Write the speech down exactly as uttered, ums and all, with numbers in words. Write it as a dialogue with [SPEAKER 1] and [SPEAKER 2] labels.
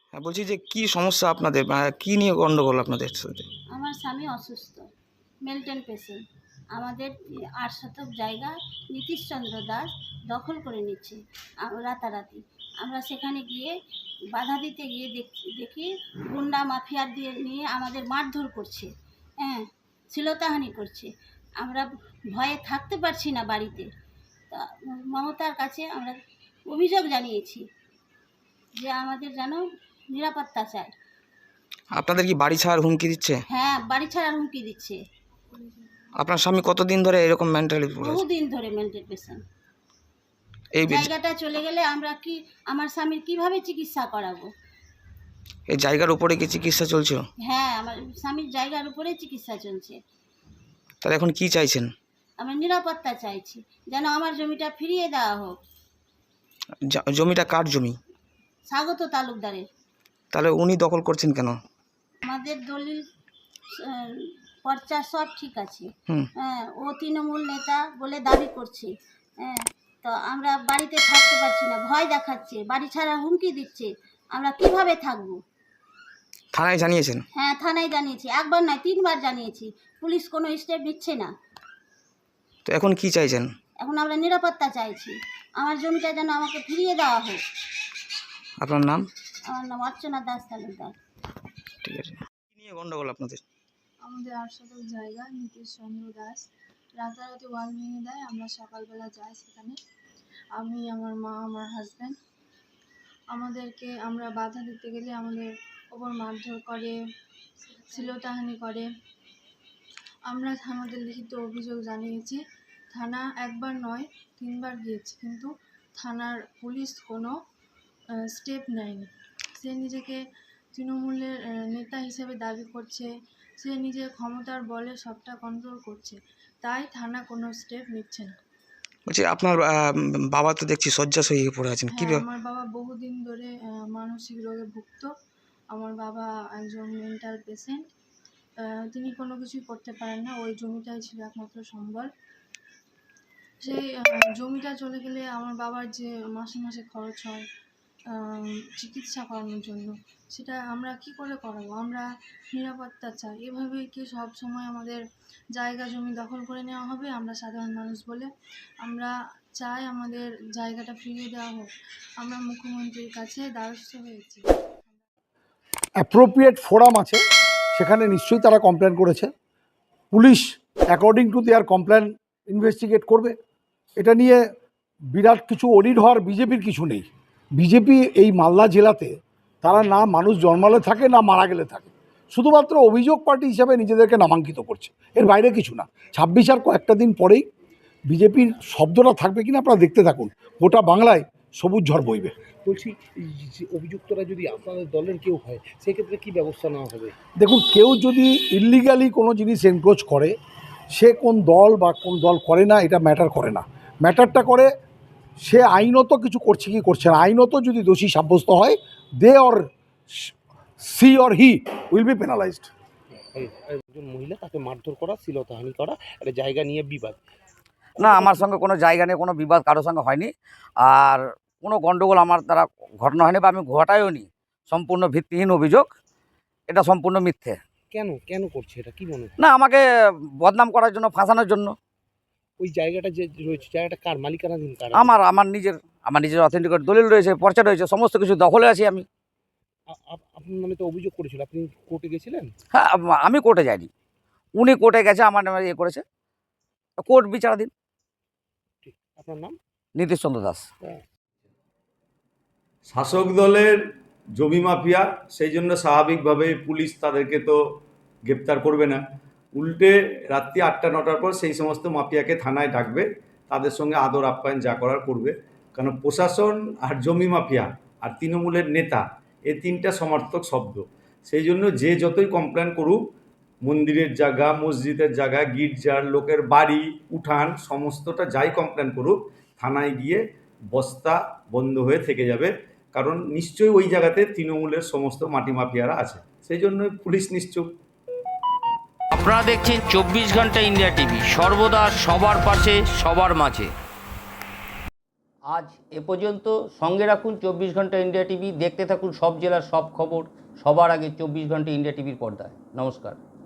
[SPEAKER 1] হ্যাঁ, বলছি যে কি সমস্যা আপনাদের, মানে কি নিয়ে গন্ডগোল আপনাদের সাথে?
[SPEAKER 2] আমার স্বামী অসুস্থ, মেন্টাল পেশেন্ট। আমাদের আট শতক জায়গা নীতিশচন্দ্র দাস দখল করে নিচ্ছে আ- রাতারাতি। আমরা সেখানে গিয়ে বাধা দিতে গিয়ে দেখি দেখি গুন্ডা মাফিয়া দিয়ে নিয়ে আমাদের মারধর করছে, হ্যাঁ, শ্লীলতাহানি করছে। আমরা ভয়ে থাকতে পারছি না বাড়িতে। তা মমতার কাছে আমরা অভিযোগ জানিয়েছি যে আমাদের যেন নিরাপত্তা চাই।
[SPEAKER 1] আপনাদের কি বাড়ি ছাড়ার হুমকি দিচ্ছে?
[SPEAKER 2] হ্যাঁ, বাড়ি ছাড়ার হুমকি দিচ্ছে।
[SPEAKER 1] আপনার স্বামী কতদিন ধরে এরকম মেন্টালি পড়ে আছে?
[SPEAKER 2] বহুদিন ধরে মেন্টাল পেশেন্ট।
[SPEAKER 1] এই বি-
[SPEAKER 2] জায়গাটা চলে গেলে আমরা কি আমার স্বামীর কিভাবে চিকিৎসা করাবো?
[SPEAKER 1] এই জায়গার উপরে কি চিকিৎসা চলছে?
[SPEAKER 2] হ্যাঁ, আমার স্বামীর জায়গার উপরে চিকিৎসা চলছে।
[SPEAKER 1] তাহলে এখন কি চাইছেন?
[SPEAKER 2] আমরা নিরাপত্তা চাইছি, যেন আমার জমিটা ফিরিয়ে দেওয়া হোক।
[SPEAKER 1] জা- জমিটা কার জমি?
[SPEAKER 2] স্বাগত তালুকদারের।
[SPEAKER 1] তাহলে উনি দখল করছেন কেন?
[SPEAKER 2] আমাদের দলিল আহ, পর্চা সব ঠিক আছে।
[SPEAKER 1] হুম।
[SPEAKER 2] হ্যাঁ, ও তৃণমূল নেতা বলে দাবি করছে। হ্যাঁ, তো আমরা বাড়িতে থাকতে পারছি না, ভয় দেখাচ্ছে, বাড়ি ছাড়া হুমকি দিচ্ছে। আমরা কিভাবে থাকবো?
[SPEAKER 1] থানায় জানিয়েছেন?
[SPEAKER 2] হ্যাঁ, থানায় জানিয়েছি, একবার নয় তিনবার জানিয়েছি। পুলিশ কোনো স্টেপ নিচ্ছে না।
[SPEAKER 1] তো এখন কি চাইছেন?
[SPEAKER 2] এখন আমরা নিরাপত্তা চাইছি, আমার জমিটা যেন আমাকে ফিরিয়ে দেওয়া হোক।
[SPEAKER 1] আপনার নাম?
[SPEAKER 2] আমার নাম অর্চনা দাস তালুকদার।
[SPEAKER 1] ঠিক আছে। কি নিয়ে গন্ডগোল আপনাদের?
[SPEAKER 3] আমাদের আট শতক জায়গা নীতিশচন্দ্র দাস রাতারাতি ওয়াল ভেঙে দেয়। আমরা সকালবেলা যাই সেখানে, আমি, আমার মা, আমার হাজব্যান্ড। আমাদেরকে আমরা বাধা দিতে গেলে আমাদের ওপর মারধর করে, শ্লীলতাহানি করে। আমরা থানাতে লিখিত অভিযোগ জানিয়েছি। থানা একবার নয় তিনবার গিয়েছি, কিন্তু থানার পুলিশ কোনো স্টেপ নেয়নি। সে নিজেকে তৃণমূলের আহ, নেতা হিসেবে দাবি করছে, সে নিজের ক্ষমতার বলে সবটা কন্ট্রোল করছে, তাই থানা কোনো স্টেপ নিচ্ছে না।
[SPEAKER 1] বলছি আপনার আহ, বাবা তো দেখছি শয্যাশয়ী হয়ে পড়ে আছেন, কি
[SPEAKER 3] হ্যাঁ,
[SPEAKER 1] ব্যাপার?
[SPEAKER 3] আমার বাবা বহুদিন ধরে আহ, মানসিক রোগে ভুগত। আমার বাবা একজন মেন্টাল পেশেন্ট। তিনি কোনো কিছুই করতে পারেন না, ওই জমিটাই ছিল একমাত্র সম্বল। সেই আহ, জমিটা চলে গেলে আমার বাবার যে মাসে মাসে খরচ হয় আহ, চিকিৎসা করানোর জন্য, সেটা আমরা কি করে করাবো? আমরা নিরাপত্তা চাই। এভাবেই কি সব সময় আমাদের জায়গা জমি দখল করে নেওয়া হবে? আমরা সাধারণ মানুষ বলে আমরা চাই আমাদের জায়গাটা ফিরিয়ে দেওয়া হোক। আমরা মুখ্যমন্ত্রীর কাছে দ্বারস্থ হয়েছি।
[SPEAKER 4] অ্যাপ্রোপ্রিয়েট ফোরাম আছে, সেখানে নিশ্চয়ই তারা কমপ্লেন করেছে। Police according to their complain investigate করবে। এটা নিয়ে বিরাট কিছু অডিট হওয়ার বিজেপির কিছু নেই। বিজেপি এই মালদা জেলাতে তারা না মানুষ জন্মালে থাকে না মারা গেলে থাকে, শুধুমাত্র অভিযোগ পার্টি হিসাবে নিজেদেরকে নামাঙ্কিত করছে, এর বাইরে কিছু না। ছাব্বিশ আর কয়েকটা দিন পরেই বিজেপির শব্দটা থাকবে কিনা আপনারা দেখতে থাকুন, গোটা বাংলায় সবুজ ঝড় বইবে।
[SPEAKER 5] বলছি, এই যে অভিযুক্তরা যদি আপনাদের দলের কেউ হয়, সেক্ষেত্রে কি ব্যবস্থা নেওয়া হবে?
[SPEAKER 4] দেখুন, কেউ যদি ইল্লিগালি কোনো জিনিস এনক্রোচ করে, সে কোন দল বা কোন দল করে না এটা ম্যাটার করে না। ম্যাটারটা করে সে আইনত কিছু করছে কি করছে না। আইনত যদি দোষী সাব্যস্ত হয়, they or she or he will be penalized.
[SPEAKER 5] একজন মহিলা, তাকে মারধর করা, শ্লীলতাহানি করা, একটা জায়গা নিয়ে বিবাদ।
[SPEAKER 6] না, আমার সঙ্গে কোনো জায়গা নিয়ে কোনো বিবাদ কারোর সঙ্গে হয়নি। আর কোনো গণ্ডগোল আমার দ্বারা ঘটনা হয়নি বা আমি ঘটাইও নি। সম্পূর্ণ ভিত্তিহীন অভিযোগ, এটা সম্পূর্ণ মিথ্যে।
[SPEAKER 5] কেন কেন করছে এটা, কি মনে হয়?
[SPEAKER 6] না, আমাকে বদনাম করার জন্য, ফাঁসানোর জন্য।
[SPEAKER 5] ওই জায়গাটা যে রয়েছে, জায়গাটা কার মালিকানাধীন? কার?
[SPEAKER 6] আমার আমার নিজের আমার নিজের অথেন্টিক দলিল রয়েছে, পর্চা রয়েছে, সমস্ত কিছু দখলে আছি আমি।
[SPEAKER 5] আ- আপ- আপনার নামে তো অভিযোগ করেছিল, আপনি কোর্টে গেছিলেন?
[SPEAKER 6] হ্যাঁ, আম- আমি কোর্টে যাইনি, উনি কোর্টে গেছে, আমার নামে ইয়ে করেছে। কোর্ট বিচারাধীন।
[SPEAKER 5] ঠিক, আপনার নাম?
[SPEAKER 6] নীতিশচন্দ্র দাস।
[SPEAKER 7] শাসক দলের জমি মাফিয়া, সেই জন্য স্বাভাবিকভাবেই পুলিশ তাদেরকে তো গ্রেপ্তার করবে না, উল্টে রাত্রি আটটা নটার পর সেই সমস্ত মাফিয়াকে থানায় ডাকবে, তাদের সঙ্গে আদর আপ্যায়ন যা করার করবে। কারণ প্রশাসন আর জমি মাফিয়া আর তৃণমূলের নেতা, এই তিনটা সমার্থক শব্দ। সেই জন্য যে যতই কমপ্লেন করুক, মন্দিরের জায়গা, মসজিদের জায়গা, গির্জার লোকের বাড়ি, উঠান, সমস্তটা যাই কমপ্লেন করুক, থানায় গিয়ে বস্তা বন্ধ হয়ে থেকে যাবে। কারণ নিশ্চয়ই ওই জায়গাতে তৃণমূলের সমস্ত মাটি মাফিয়ারা আছে, সেই জন্য পুলিশ নিশ্চুপ।
[SPEAKER 8] আপনারা দেখছেন চব্বিশ ঘন্টা ইন্ডিয়া টিভি, সর্বদা সবার পাশে, সবার মাঝে। আজ এ পর্যন্ত। সঙ্গে রাখুন চব্বিশ ঘন্টা ইন্ডিয়া টিভি। দেখতে থাকুন সব জেলার সব খবর সবার আগে চব্বিশ ঘন্টা ইন্ডিয়া টিভির পর্দায়। নমস্কার।